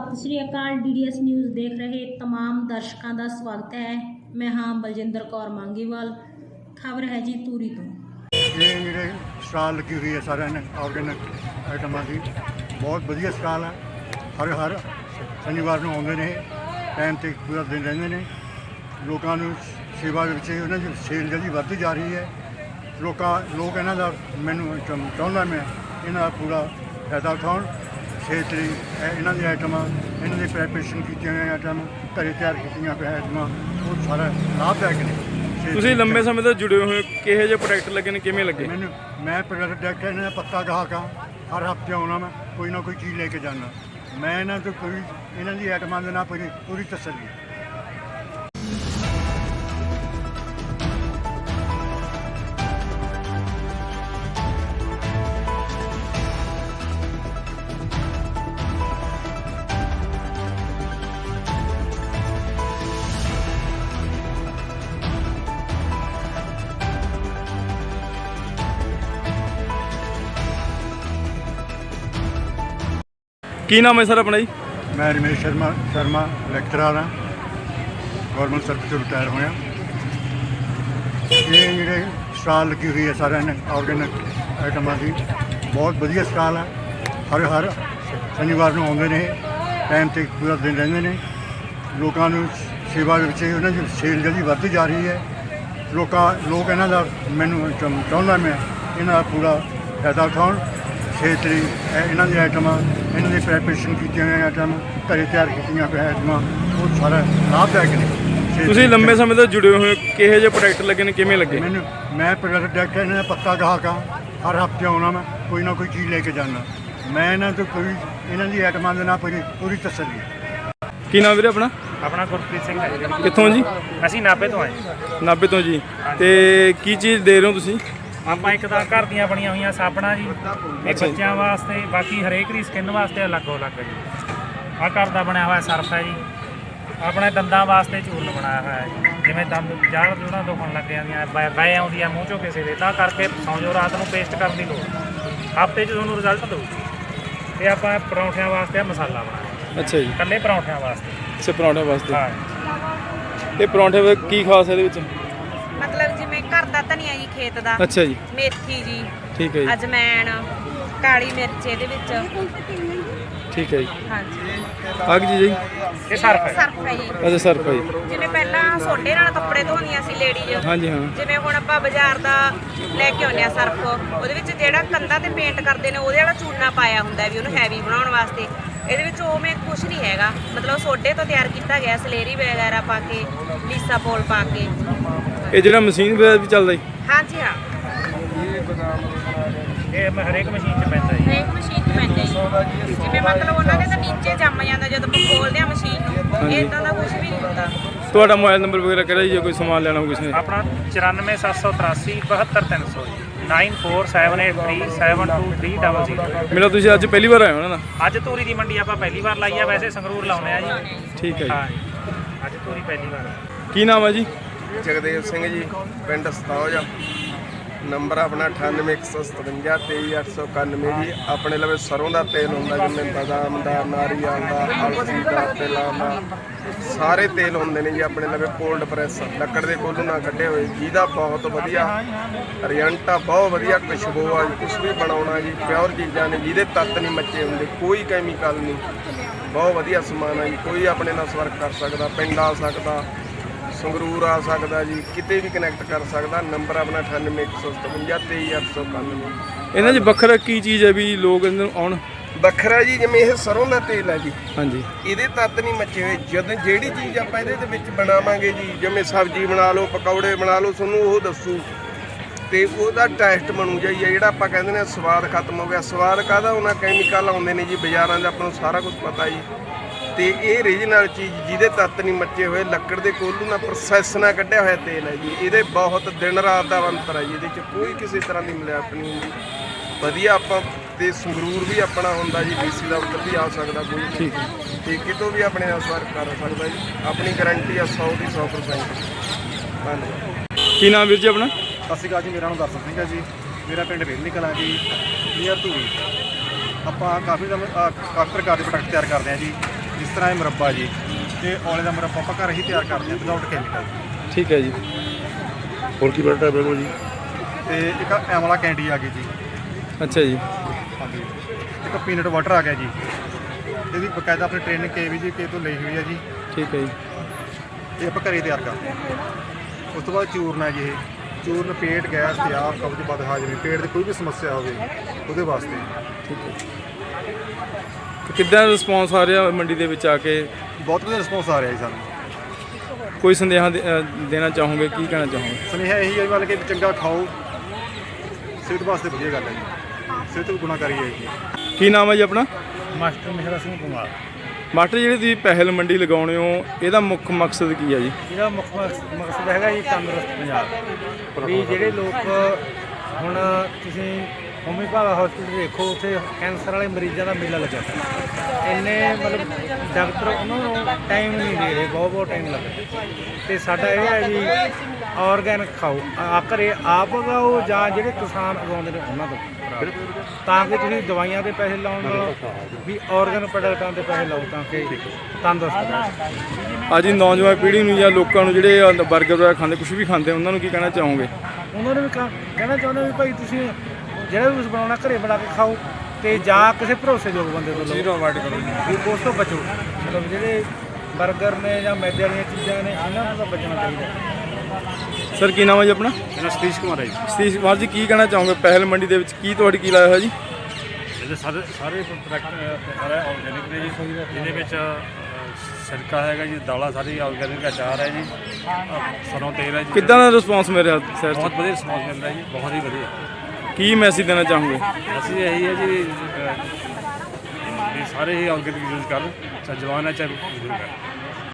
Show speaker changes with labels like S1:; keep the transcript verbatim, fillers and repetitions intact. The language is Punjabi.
S1: सत श्री अकाल। डी डी एस न्यूज़ देख रहे तमाम दर्शकों का स्वागत है। मैं हाँ बलजिंदर कौर मांगीवाल। खबर है जी तूरी तो
S2: ये मेरे स्टाल लगी हुई है सारे ने ऑर्गेनिक आइटमां की बहुत वधिया स्टाल है। हर हर शनिवार को आते हैं, टाइम से पूरा दिन रहते हैं। लोगों को सेवा उन्होंने की सेल जी बढ़ती जा रही है। लोग लोग इन्हों का मैनू चाहता मैं इन्हों का पूरा फायदा उठाउण। सेहत लिए इन्हों की आइटमां इन्हों की प्रैपरेशन की आइटम घर तैयार की आइटमां वो सारा लाभदायक ने।
S3: ਤੁਸੀਂ ਲੰਬੇ ਸਮੇਂ ਤੋਂ ਜੁੜੇ ਹੋਏ ਕਿਹੋ ਜਿਹੇ ਪ੍ਰੋਡਕਟ ਲੱਗੇ ਨੇ, ਕਿਵੇਂ ਲੱਗੇ?
S2: मैंने मैं प्रोडक्ट देखा इन्होंने पक्का ग्राहक हाँ। हर हफ्ते आना मैं कोई ना कोई चीज़ लेके जाना। मैं इन्हों तो कोई इन्हों की आइटमां के ना पूरी पूरी तसल्ली।
S3: ਕੀ ਨਾਮ ਹੈ ਸਰ ਆਪਣਾ ਜੀ?
S2: मैं रमेश शर्मा शर्मा लैक्चरर हाँ, गौरमेंट सर्विस से रिटायर होया। ये मेरे स्टाल लगी हुई है सारे ने ऑर्गेनिक आइटमां की बहुत वधिया स्टाल है। हर हर शनिवार को आते हैं, टाइम से पूरा दिन रहते हैं। लोगों को सेवा उन्होंने की सेल जी बढ़ती जा रही है। लोग लोग इन्हों का मैनू चाहता मैं इन्हों का पूरा फायदा उठाउण। सेहत लिए इन्हों की आइटमां इन्हों की प्रैपरेशन की आइटम घर तैयार की आइटमां वो सारा लाभदायक ने।
S3: ਤੁਸੀਂ ਲੰਬੇ ਸਮੇਂ ਤੋਂ ਜੁੜੇ ਹੋਏ ਕਿਹੋ ਜਿਹੇ ਪ੍ਰੋਡਕਟ ਲੱਗੇ ਨੇ, ਕਿਵੇਂ ਲੱਗੇ?
S2: मैंने मैं प्रोडक्ट देखा इन्होंने पक्का ग्राहक हाँ। हर हफ्ते आना मैं कोई ना कोई चीज़ लेके जाना। मैं इन्हों तो कोई इन्हों की आइटमां के ना पूरी पूरी तसल्ली।
S3: ਕੀ ਨਾਮ ਵੀਰੇ ਆਪਣਾ?
S4: ਆਪਣਾ ਗੁਰਪ੍ਰੀਤ ਸਿੰਘ ਹੈ ਜੀ।
S3: ਕਿੱਥੋਂ ਜੀ?
S4: ਅਸੀਂ ਨਾਭੇ ਤੋਂ ਆਏ।
S3: ਨਾਭੇ ਤੋਂ ਜੀ। ਤੇ ਕੀ ਚੀਜ਼ ਦੇ ਰਹੇ ਹੋ ਤੁਸੀਂ?
S4: ਆਪਾਂ ਇੱਕ ਤਾਂ ਘਰ ਦੀਆਂ ਬਣੀਆਂ ਹੋਈਆਂ ਸਾਬਣਾਂ ਜੀ, ਇਹ ਬੱਚਿਆਂ ਵਾਸਤੇ, ਬਾਕੀ ਹਰੇਕ ਦੀ ਸਕਿਨ ਵਾਸਤੇ ਅਲੱਗ ਅਲੱਗ ਜੀ। ਆਹ ਘਰ ਦਾ ਬਣਿਆ ਹੋਇਆ ਸਰਫ ਹੈ ਜੀ। ਆਪਣੇ ਦੰਦਾਂ ਵਾਸਤੇ ਚੂਰਨ ਬਣਾਇਆ ਹੋਇਆ ਹੈ ਜੀ। ਜਿਵੇਂ ਦੰਦ ਜੜ ਜੁੜਾਂ ਦੁਖਣ ਲੱਗ ਜਾਂਦੀਆਂ, ਬੈ ਬੈ ਆਉਂਦੀ ਆ ਮੂੰਹ ਚੋਂ ਕਿਸੇ ਦੇ, ਤਾਂ ਕਰਕੇ ਸੌਂ ਜਾਓ ਰਾਤ ਨੂੰ ਪੇਸਟ ਕਰਨ ਦੀ ਲੋੜ। ਹਫ਼ਤੇ 'ਚ ਤੁਹਾਨੂੰ ਰਿਜ਼ਲਟ ਦਊ। ਤੇ ਆਪਾਂ ਪਰੌਂਠਿਆਂ ਵਾਸਤੇ ਮਸਾਲਾ ਬਣਾਇਆ।
S3: ਅੱਛਾ ਜੀ।
S4: ਇਕੱਲੇ ਪਰੌਂਠਿਆਂ ਵਾਸਤੇ।
S3: ਅੱਛਾ, ਪਰੌਂਠੇ ਵਾਸਤੇ।
S4: ਹਾਂ।
S3: ਇਹ ਪਰੌਂਠੇ ਵਿੱਚ ਕੀ ਖਾਸ ਹੈ ਇਹਦੇ ਵਿੱਚ?
S5: ਮਤਲਬ ਜਿਵੇਂ ਘਰ ਦਾ ਧਨੀਆ ਜੀ, ਖੇਤ ਦਾ,
S3: ਅੱਛਾ ਜੀ,
S5: ਮੇਥੀ ਜੀ,
S3: ਠੀਕ ਹੈ ਜੀ,
S5: ਅਜਮੈਣ, ਕਾਲੀ ਮਿਰਚ ਇਹਦੇ ਵਿੱਚ।
S3: ਠੀਕ ਹੈ ਜੀ।
S5: ਹਾਂਜੀ,
S3: ਆਹ ਕੀ ਚੀਜ਼ ਹੈ ਜੀ?
S4: ਇਹ ਸਰਫ ਹੈ।
S5: ਸਰਫ ਹੈ ਜੀ।
S3: ਅੱਛਾ, ਸਰਫ ਹੈ ਜੀ।
S5: ਜਿਵੇਂ ਪਹਿਲਾਂ ਸੋਡੇ ਨਾਲ ਕੱਪੜੇ ਧੋਂਦੀਆਂ ਸੀ ਲੇਡੀਜ਼,
S3: ਹਾਂਜੀ ਹਾਂ।
S5: ਜਿਵੇਂ ਹੁਣ ਆਪਾਂ ਬਾਜ਼ਾਰ ਦਾ ਲੈ ਕੇ ਆਉਂਦੇ ਆ ਸਰਫ, ਉਹਦੇ ਵਿੱਚ ਜਿਹੜਾ ਕੰਧਾਂ ਤੇ ਪੇਂਟ ਕਰਦੇ ਨੇ ਉਹਦੇ ਵਾਲਾ ਚੂਨਾ ਪਾਇਆ ਹੁੰਦਾ ਵੀ ਉਹਨੂੰ ਹੈਵੀ ਬਣਾਉਣ ਵਾਸਤੇ। ਇਹਦੇ ਵਿੱਚ ਉਵੇਂ ਕੁਝ ਨਹੀਂ ਹੈਗਾ, ਮਤਲਬ ਸੋਡੇ ਤੋਂ ਤਿਆਰ ਕੀਤਾ ਗਿਆ, ਸਲੇਰੀ ਵਗੈਰਾ ਪਾ ਕੇ, ਲੀਸਾ ਪੋਲ ਪਾ ਕੇ।
S3: ਇਹ ਜਿਹੜਾ ਮਸ਼ੀਨ ਵਗੈਰਾ ਵੀ ਚੱਲਦਾ ਜੀ?
S5: ਹਾਂਜੀ ਹਾਂ,
S4: ਇਹ ਮ- ਹਰੇਕ ਮਸ਼ੀਨ 'ਚ ਪੈਂਦਾ ਜੀ।
S5: ਹਰੇਕ ਮਸ਼ੀਨ 'ਚ ਪੈਂਦਾ ਜੀ। ਜਿਵੇਂ ਮਤਲਬ ਉਹਨਾਂ ਦੇ ਤਾਂ ਨੀਚੇ ਜੰਮ ਜਾਂਦਾ ਜਦੋਂ ਆਪਾਂ ਖੋਲਦੇ ਆ ਮਸ਼ੀਨ ਨੂੰ, ਇਦਾਂ ਦਾ ਕੁਝ ਵੀ ਨਹੀਂ ਹੁੰਦਾ।
S3: ਤੁਹਾਡਾ ਮੋਬਾਈਲ ਨੰਬਰ ਵਗੈਰਾ ਕਿਹੜਾ ਜੀ, ਜੇ ਕੋਈ ਸਮਾਨ ਲੈਣਾ ਹੋ ਕਿਸੇ ਨੇ?
S4: ਆਪਣਾ ਚੁਰਾਨਵੇਂ ਸੱਤ ਸੌ ਤਰਾਸੀ ਬਹੱਤਰ ਤਿੰਨ ਸੌ nine four seven eight three seven two three double zero.
S3: ਮੇਰਾ ਤੁਸੀਂ ਅੱਜ ਪਹਿਲੀ ਵਾਰ ਆਏ ਹੋ ਨਾ?
S4: ਅੱਜ ਧੂਰੀ ਦੀ ਮੰਡੀ ਆਪਾਂ ਪਹਿਲੀ ਵਾਰ ਲਾਈ ਆ, ਵੈਸੇ ਸੰਗਰੂਰ ਲਾਉਂਦੇ ਆ ਜੀ।
S3: ਠੀਕ ਹੈ
S4: ਹਾਂ
S3: ਜੀ।
S4: ਜੀ, ਅੱਜ ਧੂਰੀ ਪਹਿਲੀ ਵਾਰ।
S3: ਕੀ ਨਾਮ ਹੈ ਜੀ?
S6: ਜਗਦੇਵ ਸਿੰਘ ਜੀ, ਪਿੰਡ ਸਤੌਜ। ਨੰਬਰ ਆਪਣਾ ਅਠਾਨਵੇਂ ਇੱਕ ਸੌ ਸਤਵੰਜਾ ਤੇਈ ਅੱਠ ਸੌ ਇਕਾਨਵੇਂ ਜੀ। ਆਪਣੇ ਲਵੇ ਸਰੋਂ ਦਾ ਤੇਲ ਹੁੰਦਾ, ਜਿਵੇਂ ਬਦਾਮ ਦਾ, ਨਾਰੀਅਲ ਦਾ, ਅਲਸੀ ਦਾ, ਤਿਲਾਂ ਦਾ, ਸਾਰੇ ਤੇਲ ਹੁੰਦੇ ਨੇ ਜੀ ਆਪਣੇ ਲਵੇ। ਕੋਲਡ ਪ੍ਰੈਸ ਲੱਕੜ ਦੇ ਕੋਲੋਂ ਨਾ ਕੱਢੇ ਹੋਏ, ਜਿਹਦਾ ਬਹੁਤ ਵਧੀਆ ਰਿਜ਼ਲਟ ਆ, ਬਹੁਤ ਵਧੀਆ ਖੁਸ਼ਬੂ ਆ। ਕੁਛ ਵੀ ਬਣਾਉਣਾ ਜੀ, ਪਿਓਰ ਚੀਜ਼ਾਂ ਨੇ, ਜਿਹਦੇ ਤੱਤ ਨਹੀਂ ਮੱਚੇ ਹੁੰਦੇ, ਕੋਈ ਕੈਮੀਕਲ ਨਹੀਂ, ਬਹੁਤ ਵਧੀਆ ਸਮਾਨ ਆ ਜੀ। ਕੋਈ ਆਪਣੇ ਨਾਲ ਸੰਪਰਕ ਕਰ ਸਕਦਾ, ਪਿੰਡ ਆ ਸਕਦਾ, ਸੰਗਰੂਰ ਆ ਸਕਦਾ ਜੀ, ਕਿਤੇ ਵੀ ਕਨੈਕਟ ਕਰ ਸਕਦਾ। ਨੰਬਰ ਆਪਣਾ ਅਠਾਨਵੇਂ ਇੱਕ ਸੌ ਸਤਵੰਜਾ ਤੇਈ ਅੱਠ ਸੌ ਇਕਾਨਵੇਂ।
S3: ਇਹਨਾਂ 'ਚ ਵੱਖਰਾ ਕੀ ਚੀਜ਼ ਹੈ ਵੀ ਲੋਕ ਇਹਨਾਂ ਨੂੰ ਆਉਣ?
S6: ਵੱਖਰਾ ਜੀ, ਜਿਵੇਂ ਇਹ ਸਰੋਂ ਦਾ ਤੇਲ ਹੈ ਜੀ,
S3: ਹਾਂਜੀ,
S6: ਇਹਦੇ ਤੱਤ ਨਹੀਂ ਮੱਚੇ ਹੋਏ। ਜਦੋਂ ਜਿਹੜੀ ਚੀਜ਼ ਆਪਾਂ ਇਹਦੇ ਦੇ ਵਿੱਚ ਬਣਾਵਾਂਗੇ ਜੀ, ਜਿਵੇਂ ਸਬਜ਼ੀ ਬਣਾ ਲਓ, ਪਕੌੜੇ ਬਣਾ ਲਓ, ਤੁਹਾਨੂੰ ਉਹ ਦੱਸੂ ਤੇ ਉਹਦਾ ਟੈਸਟ ਬਣੂ ਜਾਈ। ਜਿਹੜਾ ਆਪਾਂ ਕਹਿੰਦੇ ਨੇ ਸਵਾਦ ਖਤਮ ਹੋ ਗਿਆ, ਸਵਾਦ ਕਾਹਦਾ ਉਹਨਾਂ ਕੈਮੀਕਲ ਆਉਂਦੇ ਨੇ ਜੀ ਬਾਜ਼ਾਰਾਂ 'ਚ, ਆਪਾਂ ਨੂੰ ਸਾਰਾ ਕੁਝ ਪਤਾ ਜੀ। ਤੇ ਇਹ ਰੀਜਨਲ ਚੀਜ਼ ਜਿਹਦੇ ਤੱਤ ਨਹੀਂ ਮੱਚੇ ਹੋਏ, ਲੱਕੜ ਦੇ ਕੋਲੂ ਨਾਲ ਪ੍ਰੋਸੈਸ ਨਾਲ ਕੱਢਿਆ ਹੋਇਆ ਤੇਲ ਹੈ ਜੀ। ਇਹਦੇ ਬਹੁਤ ਦਿਨ ਰਾਤ ਦਾ ਅੰਤਰ ਹੈ ਜੀ, ਇਹਦੇ 'ਚ ਕੋਈ ਕਿਸੇ ਤਰ੍ਹਾਂ ਦੀ ਮਿਲਾਵਟ ਨਹੀਂ ਹੁੰਦੀ। ਵਧੀਆ ਆਪਾਂ ਤੇ ਸੰਗਰੂਰ ਵੀ ਆਪਣਾ ਹੁੰਦਾ ਜੀ, ਡੀਸੀ ਦਾ ਉੱਤਰ ਵੀ ਆ ਸਕਦਾ ਕੋਈ, ਠੀਕ ਹੈ, ਤੇ ਕਿਤੋਂ ਵੀ ਆਪਣੇ ਨਾਲ ਸੰਪਰਕ ਕਰ ਸਕਦਾ ਜੀ। ਆਪਣੀ ਗਰੰਟੀ ਆ ਸੌ ਦੀ ਸੌ ਪਰਸੈਂਟ। ਧੰਨਵਾਦ।
S3: ਕੀ ਨਾਮ ਵੀਰ ਜੀ ਆਪਣਾ?
S2: ਸਤਿ ਸ਼੍ਰੀ ਅਕਾਲ ਜੀ, ਮੇਰਾ ਨਾਮ ਦਰਸ਼ਨ ਸਿੰਘ ਹੈ ਜੀ। ਮੇਰਾ ਪਿੰਡ ਵੇਲਨੀ ਕਲਾਂ ਜੀ, ਨੀਅਰ ਧੂਰੀ। ਆਪਾਂ ਕਾਫੀ ਕਾਫੀ ਪ੍ਰਕਾਰ ਦੇ ਪ੍ਰੋਡਕਟ ਤਿਆਰ ਕਰਦੇ ਹਾਂ ਜੀ।
S7: ਜਿਸ ਤਰ੍ਹਾਂ ਇਹ ਮੁਰੱਬਾ ਜੀ, ਤੇ ਔਲੇ ਦਾ ਮੁਰੱਬਾ ਆਪਾਂ ਘਰ ਹੀ ਤਿਆਰ ਕਰਦੇ ਹਾਂ ਵਿਦਆਊਟ ਕੈਮੀਕਲ।
S3: ਠੀਕ ਹੈ ਜੀ।
S8: ਹੋਰ ਕੀ ਪ੍ਰੋਡਕਟ ਹੈ ਬਿਲਕੁਲ ਜੀ?
S7: ਤੇ ਇੱਕ ਐਮਲਾ ਕੈਂਡੀ ਆ ਗਈ ਜੀ।
S3: ਅੱਛਾ ਜੀ।
S7: ਹਾਂਜੀ। ਇੱਕ ਪੀਨਟ ਵਾਟਰ ਆ ਗਿਆ ਜੀ, ਇਹਦੀ ਬਕਾਇਦਾ ਆਪਣੀ ਟ੍ਰੇਨਿੰਗ ਕੇ ਵੀ ਜੀ ਕੇ ਤੋਂ ਲਈ ਹੋਈ ਹੈ ਜੀ।
S3: ਠੀਕ ਹੈ ਜੀ।
S7: ਇਹ ਆਪਾਂ ਘਰੇ ਤਿਆਰ ਕਰਦੇ ਹਾਂ। ਉਸ ਤੋਂ ਬਾਅਦ ਚੂਰਨ ਹੈ ਜੀ। ਇਹ ਚੂਰਨ ਪੇਟ, ਗੈਸ, ਤਿਆਬ, ਕਬਜ਼, ਬਦ ਹਾਜ਼ਮੀ, ਪੇਟ ਦੀ ਕੋਈ ਵੀ ਸਮੱਸਿਆ ਹੋਵੇ ਉਹਦੇ ਵਾਸਤੇ।
S3: ਠੀਕ ਹੈ। ਤੇ ਕਿੱਦਾਂ ਰਿਸਪੌਂਸ ਆ ਰਿਹਾ ਮੰਡੀ ਦੇ ਵਿੱਚ ਆ ਕੇ?
S7: ਬਹੁਤ ਵਧੀਆ ਰਿਸਪੌਂਸ ਆ ਰਿਹਾ ਜੀ ਸਾਨੂੰ।
S3: ਕੋਈ ਸੰਦੇਹਾ ਦੇ- ਅ, ਦੇਣਾ ਚਾਹੋਗੇ, ਕੀ ਕਹਿਣਾ ਚਾਹੋਗੇ?
S7: ਸੁਨੇਹਾ ਇਹੀ ਹੈ ਵੀ ਮਤਲਬ ਕਿ ਚੰਗਾ ਖਾਓ, ਸਿਹਤ ਵਾਸਤੇ ਵਧੀਆ ਗੱਲ ਹੈ ਜੀ, ਸਿਹਤ ਵੀ ਗੁਣਾਕਾਰੀ ਹੈ ਜੀ।
S3: ਕੀ ਨਾਮ ਹੈ ਜੀ ਆਪਣਾ?
S9: ਮਾਸਟਰ ਮਿਹਰਾ ਸਿੰਘ ਕੁਮਾਰ।
S3: ਮਾਸਟਰ, ਜਿਹੜੀ ਤੁਸੀਂ ਪਹਿਲ ਮੰਡੀ ਲਗਾਉਣੇ ਹੋ, ਇਹਦਾ ਮੁੱਖ ਮਕਸਦ ਕੀ ਹੈ ਜੀ?
S9: ਇਹਦਾ ਮੁੱਖ ਮਕਸ- ਮਕਸਦ ਹੈਗਾ ਜੀ ਤੰਦਰੁਸਤ ਪੰਜਾਬ। ਵੀ ਜਿਹੜੇ ਲੋਕ ਹੁਣ ਤੁਸੀਂ ਹੋਮੀ ਭਾਗਾ ਹਸਪੀਟਲ ਦੇਖੋ, ਉੱਥੇ ਕੈਂਸਰ ਵਾਲੇ ਮਰੀਜ਼ਾਂ ਦਾ ਮੇਲਾ ਲੱਗਿਆ ਪਿਆ। ਇੰਨੇ ਮਤਲਬ ਡਾਕਟਰ ਉਹਨਾਂ ਨੂੰ ਟਾਈਮ ਨਹੀਂ ਦੇ ਰਹੇ, ਬਹੁਤ ਬਹੁਤ ਟਾਈਮ ਲੱਗਦਾ। ਅਤੇ ਸਾਡਾ ਇਹ ਹੈ ਵੀ ਔਰਗੈਨਿਕ ਖਾਓ, ਆ ਘਰੇ ਆਪ ਉਗਾਓ ਜਾਂ ਜਿਹੜੇ ਕਿਸਾਨ ਉਗਾਉਂਦੇ ਨੇ ਉਹਨਾਂ ਤੋਂ ਕਰਾਓ, ਤਾਂ ਕਿ ਤੁਸੀਂ ਦਵਾਈਆਂ ਦੇ ਪੈਸੇ ਲਾਉਣ ਨਾਲੋਂ ਵੀ ਔਰਗੈਨਿਕ ਪ੍ਰੋਡਕਟਾਂ ਦੇ ਪੈਸੇ ਲਾਓ, ਤਾਂ ਕਿ ਤੰਦਰੁਸਤ ਰਹੋ।
S3: ਅੱਜ ਦੀ ਨੌਜਵਾਨ ਪੀੜ੍ਹੀ ਨੂੰ ਜਾਂ ਲੋਕਾਂ ਨੂੰ ਜਿਹੜੇ ਅ, ਬਰਗਰ ਵਗੈਰਾ ਖਾਂਦੇ, ਕੁਝ ਵੀ ਖਾਂਦੇ, ਉਹਨਾਂ ਨੂੰ ਕੀ ਕਹਿਣਾ ਚਾਹੋਗੇ?
S9: ਉਹਨਾਂ ਨੂੰ ਵੀ ਕ- ਕਹਿਣਾ ਚਾਹੁੰਦੇ ਵੀ ਭਾਈ ਤੁਸੀਂ ਜਿਹੜਾ ਵੀ ਕੁਛ ਬਣਾਉਣਾ ਘਰੇ ਬਣਾ ਕੇ ਖਾਓ, ਤੇ ਜਾਂ ਕਿਸੇ ਭਰੋਸੇਯੋਗ ਬੰਦੇ ਤੋਂ ਲਓ, ਅਵਾਇਡ ਕਰੋ ਵੀ ਉਸ ਤੋਂ ਬਚੋ। ਮਤਲਬ ਜਿਹੜੇ ਬਰਗਰ ਨੇ ਜਾਂ ਮੈਦੇ ਵਾਲੀਆਂ ਚੀਜ਼ਾਂ ਨੇ, ਇਹਨਾਂ ਤੋਂ ਤਾਂ ਬਚਣਾ ਚਾਹੀਦਾ।
S3: ਸਰ, ਕੀ ਨਾਮ ਹੈ ਜੀ ਆਪਣਾ?
S7: ਮੇਰਾ ਸਤੀਸ਼ ਕੁਮਾਰ ਹੈ ਜੀ।
S3: ਸਤੀਸ਼ ਕੁਮਾਰ ਜੀ, ਕੀ ਕਹਿਣਾ ਚਾਹੋਗੇ ਪਹਿਲ ਮੰਡੀ ਦੇ ਵਿੱਚ ਕੀ ਤੁਹਾਡੀ ਕੀ ਲਾਇਆ ਹੋਇਆ ਜੀ?
S10: ਇਹਦੇ ਸਾਰੇ ਸਾਰੇ ਪ੍ਰੋਡਕਟ ਸਾਰੇ ਆਰਗੈਨਿਕ ਨੇ ਜੀ। ਇਹਦੇ ਵਿੱਚ ਸਿਰਕਾ ਹੈਗਾ ਜੀ, ਦਾਲਾਂ ਸਾਰੀ ਆਰਗੈਨਿਕ, ਅਚਾਰ ਹੈ ਜੀ, ਸਰੋਂ ਤੇਲ ਹੈ ਜੀ।
S3: ਕਿੱਦਾਂ ਦਾ ਰਿਸਪੌਂਸ ਮਿਲ ਰਿਹਾ ਸਰ?
S10: ਬਹੁਤ ਵਧੀਆ ਰਿਸਪੌਂਸ ਮਿਲ ਰਿਹਾ ਜੀ, ਬਹੁਤ ਹੀ ਵਧੀਆ।
S3: ਕੀ ਮੈਸੇਜ ਦੇਣਾ ਚਾਹੋਗੇ?
S10: ਅਸੀਂ ਇਹੀ ਹੈ ਜੀ ਅਹ, ਵੀ ਸਾਰੇ ਹੀ ਆਰਗੈਨਿਕ ਯੂਜ਼ ਕਰਨ, ਚਾਹੇ ਜਵਾਨ ਹੈ ਚਾਹੇ ਬਜ਼ੁਰਗ ਹੈ।